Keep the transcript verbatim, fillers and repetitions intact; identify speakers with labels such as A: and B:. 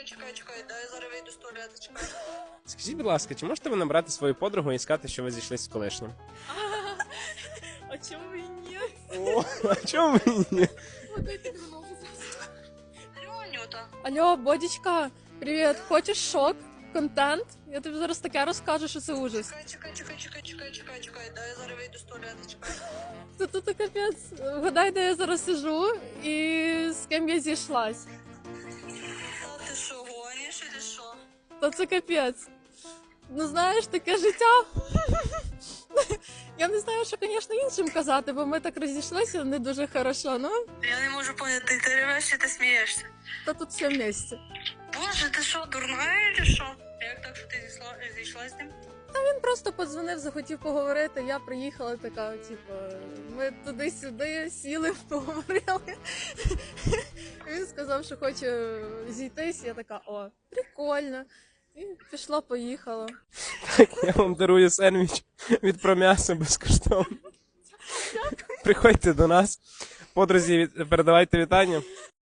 A: чекай, чекай, чекай, дай я зараз вийду з туалету, чекай.
B: Скажіть, будь ласка, чи можете ви набрати свою подругу і сказати, що ви зійшлися з колишнім?
C: А чому і ні?
B: О, а чому ви ні?
A: Алло, Анюта.
C: Алло, Бодічка, привіт, хочеш шок? Контент? Я тобі зараз таке розкажу, що це ужас.
A: Чекай, чекай, чекай, чекай, чекай, чекай, чекай, дай я зараз вийду з туалету, чекай.
C: Це тут капець. Вгадай, де я зараз сижу і з ким я зійшлась.
A: Та ти що, гониш чи що?
C: Та це капець. Ну знаєш, таке життя. Я не знаю, що, звісно, іншим казати, бо ми так розійшлися не дуже хорошо, ну,
A: Я не можу поняти, ти ревеш чи ти смієшся?
C: та тут все в місці.
A: Боже, ти що, дурна чи що? Як так, що ти зійшла, зійшла з ним?
C: Він просто подзвонив, захотів поговорити, я приїхала така, типу, ми туди-сюди сіли, поговорили. Він сказав, що хоче зійтись, я така, о, прикольно. І пішла, поїхала.
B: Так, я вам дарую сендвіч від Пром'ясо безкоштовно. Приходьте до нас. Подрузі, від- передавайте вітання.